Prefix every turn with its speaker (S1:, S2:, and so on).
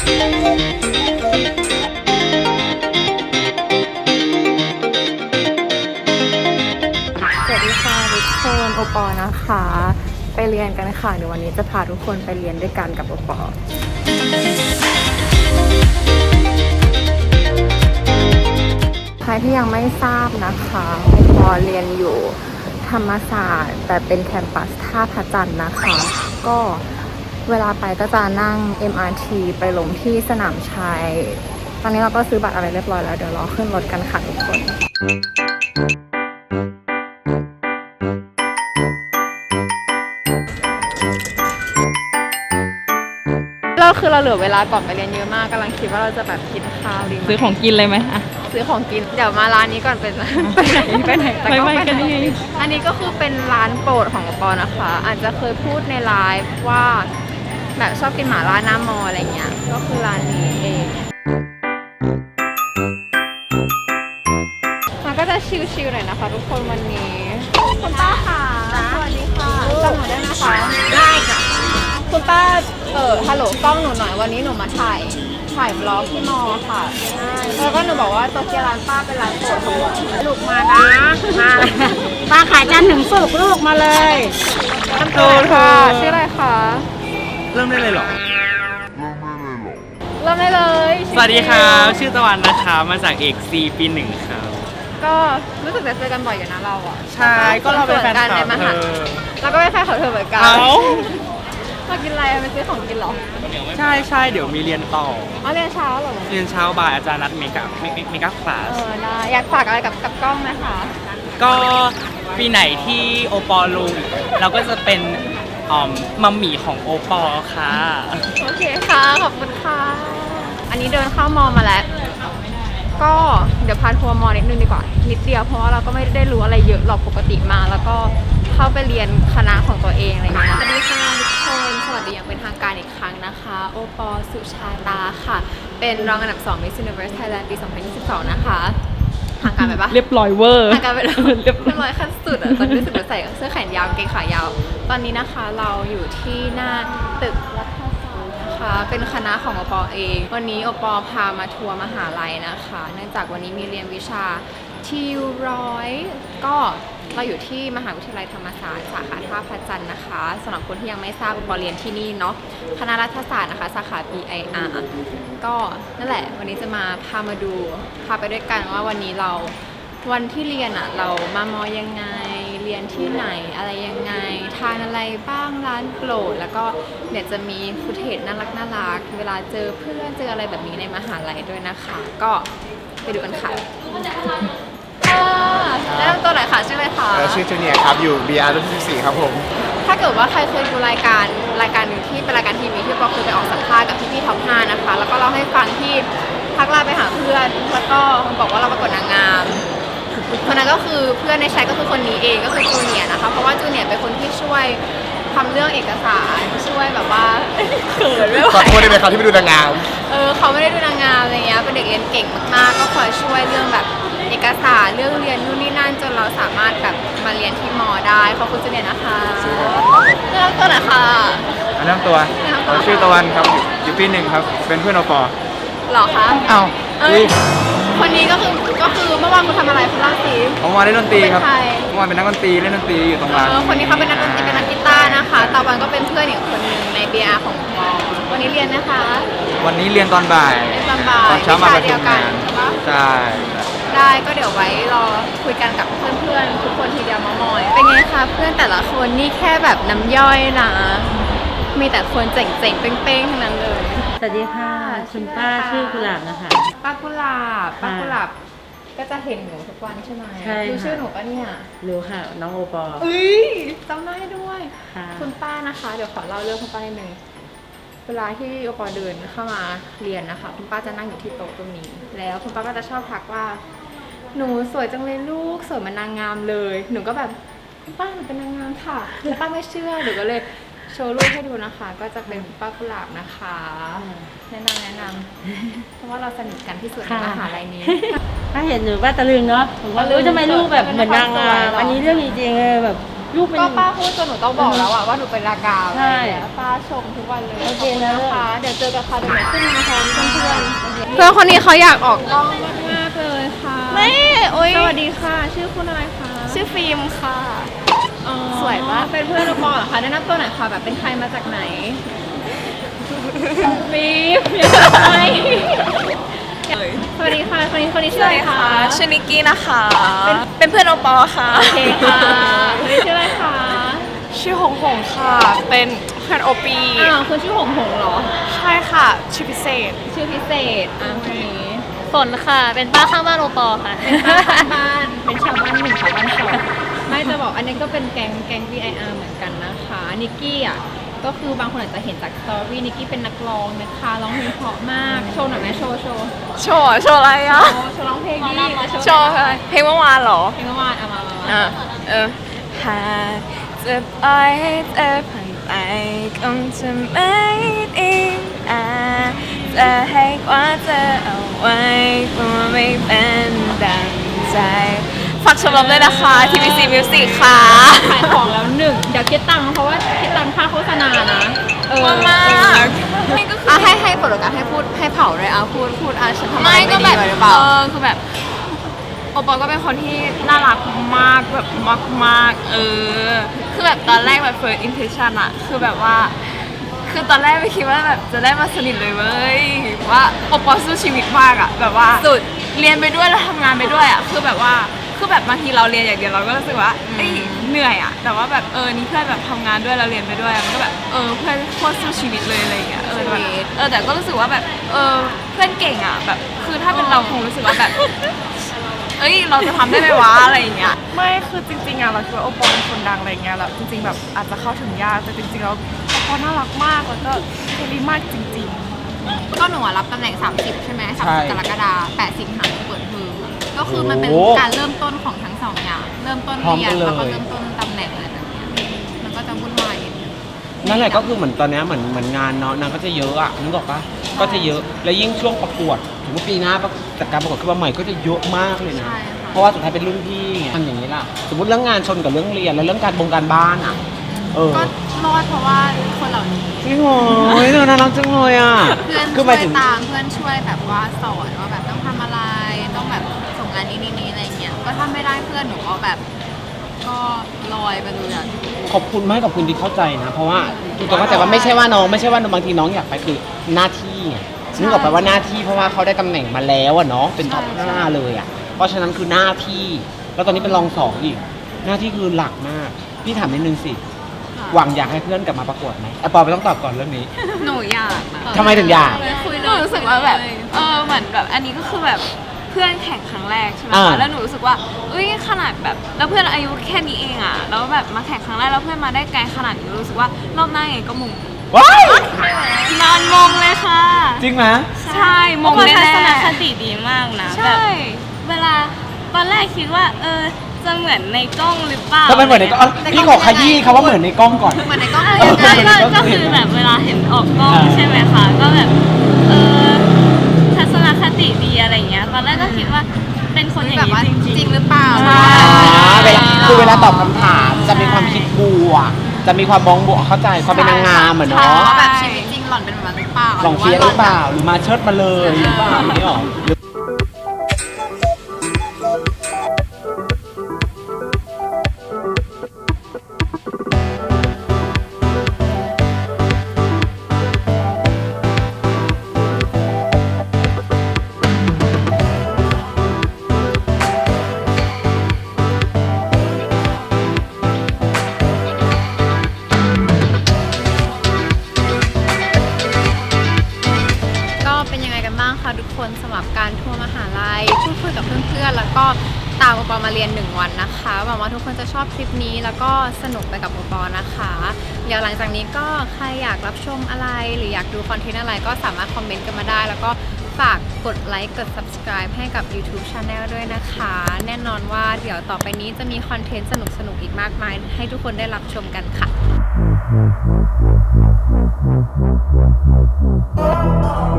S1: สวัสดีค่ะทุกคนโอปอนะคะไปเรียนกันค่ะเดี๋ยววันนี้จะพาทุกคนไปเรียนด้วยกันกับโอปอใครที่ยังไม่ทราบนะคะโอปอเรียนอยู่ธรรมศาสตร์แต่เป็นแคมปัสท่าพระจันทร์นะคะก็เวลาไปก็จะนั่ง MRT ไปลงที่สนามชัยตอนนี้เราก็ซื้อบัตรอะไรเรียบร้อยแล้วเดี๋ยวรอขึ้นรถกันค่ะทุกคนคือเราเหลือเวลาก่อนไปเรียนเยอะมากกำลังคิดว่าเราจะแบบกินข้าวดีไหม
S2: ซื้อของกินเลยไหมอะ
S1: ซื้อของกินเดี๋ยวมาร้านนี้ก่อนเป็นไปไหนแต่ก็ไปกันนี่อันนี้ก็คือเป็นร้านโปรดของปอนะคะอาจจะเคยพูดในไลฟ์ว่าแบบชอบกินหม่าล่าหน้ามออะไรเงี้ยก็คือร้านนี้เองมันก็จะชิลๆหน่อยนะคะทุกคนวันนี้คุณป้าค่ะสวัสดีค่ะจำหนูได้ไหมคะได้ค่ะคุณป้าฮัลโหลกล้องหนูหน่อยวันนี้หนูมาถ่ายบล็อกที่มอค่ะแล้วก็หนูบอกว่าโตเกียวร้านป้าเป็นร้านโปรดของลูกมานะมา
S3: ป้าขายจันทร์ถึงศุกร์ลูกมาเลย
S1: โตค่ะชื่ออะไรคะ
S2: เริ่มได้เลยเหรอ
S1: เริ่มได้เลย
S2: สวัสดีครับชื่อตะวันนะคะมาจากเอกซีปีหนึ่งครับ
S1: ก็รู้สึกจะเจอกันบ่อยอยู่นะเราอ่ะ
S2: ใช่ก็เราเป็นแฟนคลับ
S1: เราก็เป็นแฟนของเธอเหมือนกันมากินอะไรไปซื้อของกินหรอ
S2: ใช่เดี๋ยวมีเรียนต่อ
S1: เรียนเช้าเหรอ
S2: เรียนเช้าบ่ายอาจารย์นัดเมคอัพคลาส
S1: ได้อยากฝากอะไรกับกล้องไหมคะ
S2: ก็ปีไหนที่โอปอลงเราก็จะเป็นมัมหมี่ของโอปอค่ะ
S1: โอเคค่ะขอบคุณค่ะอันนี้เดินเข้ามอมาแล้วก็เดี๋ยวพาทัวร์มอนิดนึงดีกว่านิดเดียวเพราะว่าเราก็ไม่ได้รู้อะไรเยอะหรอกปกติมาแล้วก็เข้าไปเรียนคณะของตัวเองอะไรอย่างเงี้ยสวัสดีค่ะทุกคนสวัสดีอย่างเป็นทางการอีกครั้งนะคะโอปอสุชาตาค่ะเป็นรองอันดับ2 Miss Universe Thailand ปี 2022 นะคะทางการไปปะ
S2: เรียบร้อยเวอร์
S1: ทางการไปเรียบร้อยขั้นสุดอ่ะตอนนี้รู้สึกว่าใส่เสื้อแขนยาวเกงขายาวตอนนี้นะคะเราอยู่ที่หน้าตึกรัฐศาสตร์นะคะเป็นคณะของโอปอเองวันนี้โอปอพามาทัวร์มหาลัยนะคะเนื่องจากวันนี้มีเรียนวิชาทิวร้อยก็เราอยู่ที่มหาวิทยาลัยธรรมศาสตร์สาขาท่าพระจันทร์นะคะสำหรับคนที่ยังไม่ทราบโอปอเรียนที่นี่เนาะคณะรัฐศาสตร์นะคะสาขา BIR ก็นั่นแหละวันนี้จะมาพามาดูพาไปด้วยกันว่าวันนี้วันที่เรียนอะเรามามอยังไงเรียนที่ไหนอะไรยังไงทานอะไรบ้างร้านโปรดแล้วก็เดี๋ยวจะมีฟุตเทจน่ารักเวลาเจอเพื่อนเจออะไรแบบนี้ในมหาลัยด้วยนะคะก็ไปดูกันค่ะแนะนำตัวหน่อยค่ะชื่ออะไรคะ
S4: ชื่อจูเนียร์ครับอยู่ BR รุ่นที่14ครับผม
S1: ถ้าเกิดว่าใครเคยดูรายการหนึ่งที่เป็นรายการทีวีที่ปอเคยไปออกสัมภาษณ์กับพี่ท็อป5นะคะแล้วก็เล่าให้ฟังที่ทักไลน์ไปหาเพื่อนแล้วก็บอกว่าเราประกวดนางงามคนนั้นก็คือเพื่อนในแชทก็คือคนนี้เองก็คือจูเนียร์นะคะเพราะว่าจูเนียร์เป็นคนที่ช่วยทำเรื่องเอกสารช่วยแบบว่าเขินไม่ไหว
S4: ขอโทษได้ไหมครับที่ไม่ดูนางงาม
S1: เขาไม่ได้ดูนางงามอะไรเงี้ยเป็นเด็กเรียนเก่งมากๆก็คอยช่วยเรื่องแบบเอกสารเรื่องเรียนนู่นนี่นั่นจนเราสามารถแบบมาเรียนที่มอได้ขอบคุณจูเนียร์นะคะเริ่มต้นนะคะ
S4: เริ่มตัวชื่อตะวันครับอยู่ปี1ครับเป็นเพื่อนโอปอ
S1: หรอคะ
S4: อ้าว
S1: คนนี้ก็คือเมื่อวานคุณทำอะไรคุณเล่าสิ
S4: ผมมาเล่นดนตรีครับเมื่อวานเป็นนักดนตรีเล่นดนตรีอยู่ตรงร้าน
S1: คนนี้เขาเป็นนักดนตรีเป็นนักกีตาร์นะคะตะวันก็เป็นเพื่อนอีกคนนึงใน BR ของมอวันนี้เรียนนะคะ
S4: วันนี้เรียนตอนบ่ายตอนเช้ามาประชุมงานใช่
S1: ได้ก็เดี๋ยวไว้รอคุยกันกับเพื่อนๆทุกคนทีเดียวมอยเป็นไงคะเพื่อนแต่ละคนนี่แค่แบบน้ำย่อยนะมีแต่คนเจ๋งๆเป้งๆทั้งนั้นเลย
S3: สวัสดีค่ะคุณป้าชื่อกุหลาบนะคะ
S1: ป้ากุหลาบก็จะเห็นหนูทุกวันใช่ไหม
S3: ใช่
S1: รู้ชื่อหนูปะเนี่ย
S3: รู้ค่ะน้องโอปอ
S1: จำได้ด้วยคุณป้านะคะเดี๋ยวขอเล่าเรื่องคุณป้านิดนึงเวลาที่โอปอเดินเข้ามาเรียนนะคะคุณป้าจะนั่งอยู่ที่โต๊ะตรงนี้แล้วคุณป้าก็จะชอบทักว่าหนูสวยจังเลยลูกสวยเหมือนนางงามเลยหนูก็แบบป้าหนูเป็นนางงามค่ะแล้วป้าไม่เชื่อหนูก็เลยโชว์รูปให้ดูนะคะก็จะเป็นป้ากุหลาบนะคะแนะนำเพราะว่าเราสนิทกันที่สุดในมหาลัยนี้
S3: ถ้าเห็นหนูป้าตะลึงเนาะผมว่ารู้ทำไมลูกแบบเหมือนนางงามอันนี้เรื่องจริงๆแบบลูกเป็น
S1: ก็ป้าพูดจนหนูต้องบอกแล้วอะว่าหนูเป็นรากา
S3: ใช่
S1: ป้าชมทุกวันเลย
S3: โอเค
S1: ขบณ
S3: แล้ว
S1: นะคะเดี๋ยวเจอกันค่ะเดี๋ยวหนูขึ้นมาพร้อมเพื่อนๆเพื่อนคนนี้เขาอยากออกกล้องมากๆเลยค่ะไม่โอ้ยสวัสดีค่ะ ชื่อคุณอะไรคะ
S5: ชื่อฟิล์มค่ะ
S1: อ๋อ
S5: สวยปะ
S1: เป็นเพื่อนเราปอเหรอคะแนะนำตัวหน่อยค่ะแบบเป็นใครมาจากไหนฟีฟยังไงสวัสดีค่ะคนนี้ชื่ออะไรคะ
S5: ชื่อนิกกี้นะคะ เป็นเพื่อนโอปอค่ะ
S1: โอเคค่ะคนนี้ชื่ออะไรคะ
S5: ชื่อหงหงค่ะ เป็นเพื่อนโอปี
S1: อ้าวคุณชื่อหงหงเหรอ
S5: ใช่ค่ะ ชื่อพิเศษ
S1: ชื่อพิเศษคนนี้
S5: ฝนค่ะ เป็นป้าข้างบ้านโอปอค่ะ
S1: บ้านเป็นชาวบ้านหนึ่งชาวบ้านสองไม่จะบอกอันนี้ก็เป็นแก๊ง VIR เหมือนกันนะคะนิกกี้อ่ะก็คือบางคนอาจจะเห็นจากสตอรี่นิกกี้เป็นนักร้องนะคะร้องเพลงเพราะมากโชว์หน่อยไหมโชว์
S5: โชว์อะไรอ่ะ
S1: โชว์ร้องเพลงดีจะ
S5: โชว์อะไร เพลงเมื่อวานเหรอ
S1: เพลงเมื่อวานเอามา
S5: หากจะปล่อยให้เธอผ่านไปคงจะไม่ดีจะให้กว่าเธอเอาไว้กลัวไม่เป็นดังใจฝากชมรมด้วยนะคะ TBC Music ค่ะ
S1: ขายของแล้วหนึ่งเดี๋ยวคิดตังค์เพราะว่าคิดตังค่าโฆษณานะ
S5: มากนี่ก็คือ
S1: ให้ผลการให้พูดให้เผาเลยพูดฉันทำอะไร
S5: ไม่
S1: ไม่
S5: ก็
S1: ดี
S5: แบบ
S1: ไว้หรือเปล่า
S5: คือแบบโอปอลก็เป็นคนที่น่ารักมากแบบมากคือแบบตอนแรกแบบ first impression อะคือแบบว่า คือตอนแรกไม่คิดว่าแบบจะได้มาสนิทเลยเว้ยว่าโอปอลสู้ชีวิตมากอะแบบว่า
S1: สุด
S5: เรียนไปด้วยแล้วทำงานไปด้วยอะคือแบบบางทีเราเรียนอย่างเดียวเราก็รู้สึกว่าเอ้ยเหนื่อยอะแต่ว่าแบบนี่เพื่อนแบบทำงานด้วยเราเรียนไปด้วยมันก็แบบเพื่อนโคตรสู้ชีวิตเลยอะไรอย่างเงี้ยแบบแต่ก็รู้สึกว่าแบบเพื่อนเก่งอะแบบคือถ้าเป็นเราคงรู้สึกว่าแบบเราจะทำได้ไหมวะอะไรอย่างเงี้ยไม่คือจริงๆอะเราคิดว่าโอปอลเป็นคนดังอะไรเงี้ยแล้วจริงๆแบบอาจจะเข้าถึงยากแต่จริงๆแล้วโอปอลน่ารักมากแล้วก็เฟรนลี่มากจริงๆ
S1: ก็หนูอะรับตำแหน่ง 30 ใช่ไหม
S4: ใช่
S1: 30 กรกฎาคม8 สิงหาคมเปิดเทอมอะก็คือมันเป็นการเริ่มต้นของทั้งสองอย่าง เริ่มต้น
S4: พร้อม
S1: เรีย
S4: กัน นเลย
S1: แล้วก็เริ่มต้นตำแหน่งอะไรแบบเนี้ยมันก็จะวุ่นวายนิดนึง
S2: นั่นแหละก็คือเหมือนตอนเนี้ยเหมือนงานเนาะนางก็จะเยอะอะนึกออกปะก็จะเยอะแล้วยิ่งช่วงประกวดถึงว่าปีหน้าจัดการประกวดขึ้นมาใหม่ก็จะเยอะมากเลยนะ
S1: ใช่ค่ะ
S2: เพราะว่าสุดท้ายเป็นรุ่นพี่ไงทำอย่างนี้ล่ะสมมติเรื่องงานชนกับเรื่องเรียนแล้วเรื่องการบ้านอะ
S1: ก็รอดเพราะว่าคนเหล่านี้
S2: จริงเหรอเธอน่ารักจังเลยอะ
S1: เพื่อน
S2: คือ
S1: ช่
S2: ห
S1: ว
S2: มาย
S1: ย
S2: ถึง
S1: ตามเพื่อนช่วยแบบว่าสอนว่าแบบต้องทำอะไรต้องแบบส่งงานนี้อะไรเงี้ยก็ถ้าไม่ได้เพื่อนหนูก็แบบก็ลอยไปเลยอะ
S2: ขอบคุณมากขอบคุณที่เข้าใจนะ เพราะว่าทุกคนเข้าใจว่าไม่ใช่ว่าบางทีน้องอยากไปคือหน้าที่ไงนึกออกไปว่าหน้าที่เพราะว่าเขาได้ตำแหน่งมาแล้วอะเนาะเป็นท็อป 5เลยอะเพราะฉะนั้นคือหน้าที่แล้วตอนนี้เป็นรอง 2อีกหน้าที่คือหลักมากพี่ถามนิดนึงสิหวังอยากให้เพื่อนกลับมาประกวดไหมปอไม่ต้องตอบก่อนเรื่องนี้
S5: หนูอยากนะ
S2: ทำไมถึงอยาก
S5: หนูรู้สึกว่าแบบเหมือนแบบอันนี้ก็คือแบบเพื่อนแข่งครั้งแรกใช่ไหม
S2: อ่า
S5: คะแล้วหนูรู้สึกว่าขนาดแบบแล้วเพื่อนอายุแค่นี้เองอะแล้วแบบมาแข่งครั้งแรกแล้วเพื่อนมาได้ไกลขนาดนี้รู้สึกว่ารอบหน้าไงก็มง
S2: ว้าย
S5: นอนมงเลยค่ะ
S2: จริงไหม
S5: ใช่มงแน่ๆ
S6: ทัศนคติดีมากนะ
S5: ใช่
S6: แบบเวลาตอนแรกคิดว่าจะเหมือนในกล้องหรือเปล่า
S2: ถ้าเป็นเหมือนในกล้องพี่ขอขยี้คำว่าเหมือนในกล้องก่อน
S1: เหมือนในกล้อง
S6: อะไร
S1: ยังไง
S6: อย่างเงี้ยก็คือแบบเวลาเห็นออกกล้อง
S2: อ่า
S6: ใช่ไหมคะ ก็แบบทัศนคติดีอะไรอย่างเงี้ย ตอนแรกก็คิดว่าเป็นคนอย่าง
S1: แบบว่า
S6: นี้จ
S1: จ
S6: ริ
S1: ริ
S6: ง
S1: งหรือเปล่า
S2: คือเวลาตอบคำถามจะมีความคิดบวกจะมีความมองบวกเข้าใจความเป็นนางงามเหมือน
S1: ถาม
S2: เนาะ
S1: ว่าแบบชีวิตจริงหล่อนเป็นแบบนั้นหรือเปล่า
S2: ลองเฟียสหรือเปล่าหรือมาเชิดมาเลยหรือเปล่าอย่างนี้หรอ
S1: ก็เป็นยังไงกันบ้างคะทุกคนสำหรับการทัวร์มหาลัยพูดคุยกับเพื่อนๆแล้วก็ตามโอปอมาเรียน1 วันนะคะหวังว่าทุกคนจะชอบคลิปนี้แล้วก็สนุกไปกับโอปอนะคะเดี๋ยวหลังจากนี้ก็ใครอยากรับชมอะไรหรืออยากดูคอนเทนต์อะไรก็สามารถคอมเมนต์กันมาได้ แล้วก็ฝากกดไลค์กด subscribe ให้กับ YouTube Channel ด้วยนะคะ แน่นอนว่าเดี๋ยวต่อไปนี้จะมีคอนเทนต์สนุกๆอีกมากมายให้ทุกคนได้รับชมกันค่ะ